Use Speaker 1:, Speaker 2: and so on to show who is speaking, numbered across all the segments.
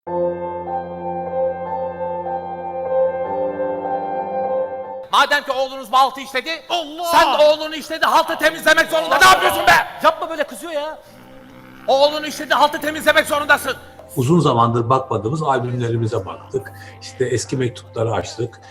Speaker 1: Madem ki oğlunuz baltı işledi,
Speaker 2: Allah!
Speaker 1: sen de oğlunu işledi haltı temizlemek zorunda. Ne yapıyorsun be?
Speaker 2: Yapma böyle, kızıyor ya.
Speaker 1: Oğlunu işledi haltı temizlemek zorundasın.
Speaker 3: Uzun zamandır bakmadığımız albümlerimize baktık. İşte eski mektupları açtık.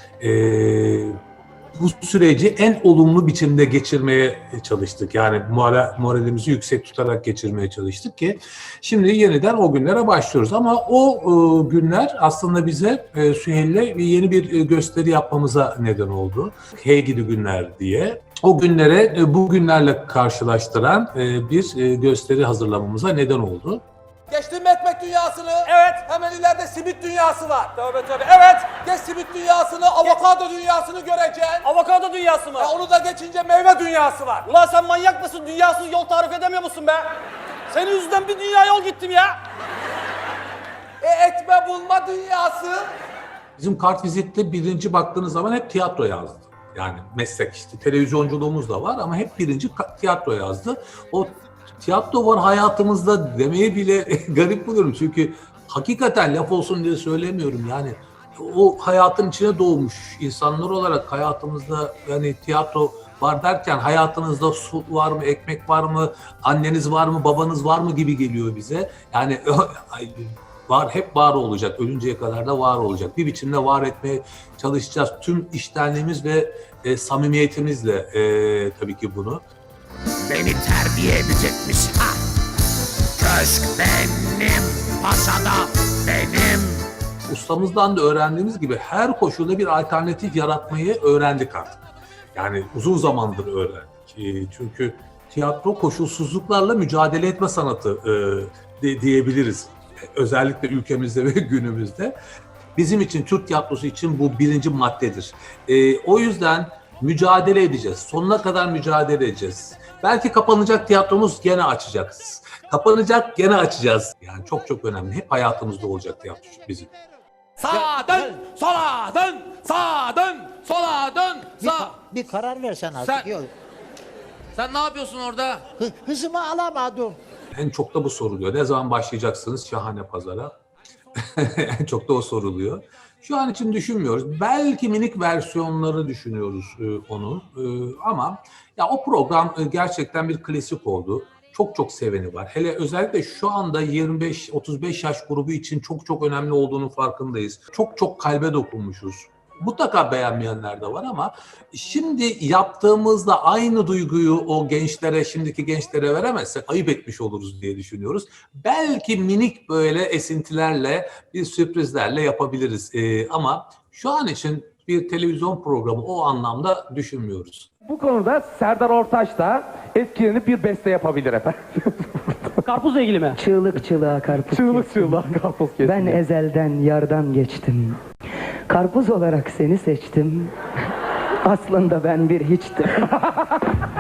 Speaker 3: Bu süreci en olumlu biçimde geçirmeye çalıştık. Yani moralimizi yüksek tutarak geçirmeye çalıştık ki şimdi yeniden o günlere başlıyoruz. Ama o günler aslında bize Süheyl'le yeni bir gösteri yapmamıza neden oldu. Hey Gidi Günler diye. O günlere bu günlerle karşılaştıran bir gösteri hazırlamamıza neden oldu.
Speaker 4: Geçtin mi ekmek dünyasını?
Speaker 2: Evet.
Speaker 4: Hemen ileride simit dünyası var.
Speaker 2: Tövbe tövbe. Evet.
Speaker 4: Geç simit dünyasını, avokado dünyasını göreceksin.
Speaker 2: Avokado dünyası mı?
Speaker 4: Onu da geçince meyve dünyası var.
Speaker 2: Ulan sen manyak mısın? Dünyasız yol tarif edemiyor musun be? Senin yüzünden bir dünya yol gittim ya.
Speaker 4: Etme bulma dünyası.
Speaker 3: Bizim kartvizitte birinci baktığınız zaman hep tiyatro yazdı. Yani meslek işte televizyonculuğumuz da var ama hep birinci tiyatro yazdı. O tiyatro var hayatımızda demeye bile garip buluyorum. Çünkü hakikaten laf olsun diye söylemiyorum yani. O hayatın içine doğmuş insanlar olarak hayatımızda yani tiyatro var derken hayatınızda su var mı, ekmek var mı, anneniz var mı, babanız var mı gibi geliyor bize. Yani var, hep var olacak, ölünceye kadar da var olacak. Bir biçimde var etmeye çalışacağız. Tüm içtenliğimiz ve samimiyetimizle tabii ki bunu.
Speaker 1: Beni terbiye edecekmiş. Ha! Köşk benim, paşada benim.
Speaker 3: Ustamızdan da öğrendiğimiz gibi her koşulda bir alternatif yaratmayı öğrendik artık. Yani uzun zamandır öğrendik. Çünkü tiyatro koşulsuzluklarla mücadele etme sanatı diyebiliriz. Özellikle ülkemizde ve günümüzde. Bizim için, Türk tiyatrosu için bu birinci maddedir. O yüzden mücadele edeceğiz. Sonuna kadar mücadele edeceğiz. Belki kapanacak tiyatromuz, gene açacağız. Kapanacak, gene açacağız. Yani çok çok önemli. Hep hayatımızda olacak tiyatro bizim.
Speaker 1: Sağa dön, sola dön, sağa dön, sola dön, sağ.
Speaker 5: Bir karar versen artık.
Speaker 1: Sen-
Speaker 5: Yok.
Speaker 1: Sen ne yapıyorsun orada?
Speaker 5: Hızımı alamadım.
Speaker 3: En çok da bu soruluyor. Ne zaman başlayacaksınız Şahane Pazar'a? En çok da o soruluyor. Şu an için düşünmüyoruz. Belki minik versiyonları düşünüyoruz onun. Ama ya o program gerçekten bir klasik oldu. Çok çok seveni var. Hele özellikle şu anda 25-35 yaş grubu için çok çok önemli olduğunun farkındayız. Çok çok kalbe dokunmuşuz. Mutlaka beğenmeyenler de var ama şimdi yaptığımızda aynı duyguyu o gençlere, şimdiki gençlere veremezsek ayıp etmiş oluruz diye düşünüyoruz. Belki minik böyle esintilerle, bir sürprizlerle yapabiliriz. Ama şu an için bir televizyon programı o anlamda düşünmüyoruz.
Speaker 6: Bu konuda Serdar Ortaç da etkilenip bir beste yapabilir efendim.
Speaker 7: Karpuzla ilgili mi?
Speaker 8: Çığlık çığlığa karpuz
Speaker 6: Çığlık
Speaker 8: kestim.
Speaker 6: çığlığa karpuz kestim.
Speaker 8: Ben ezelden yardan geçtim. Karpuz olarak seni seçtim. Aslında ben bir hiçtim.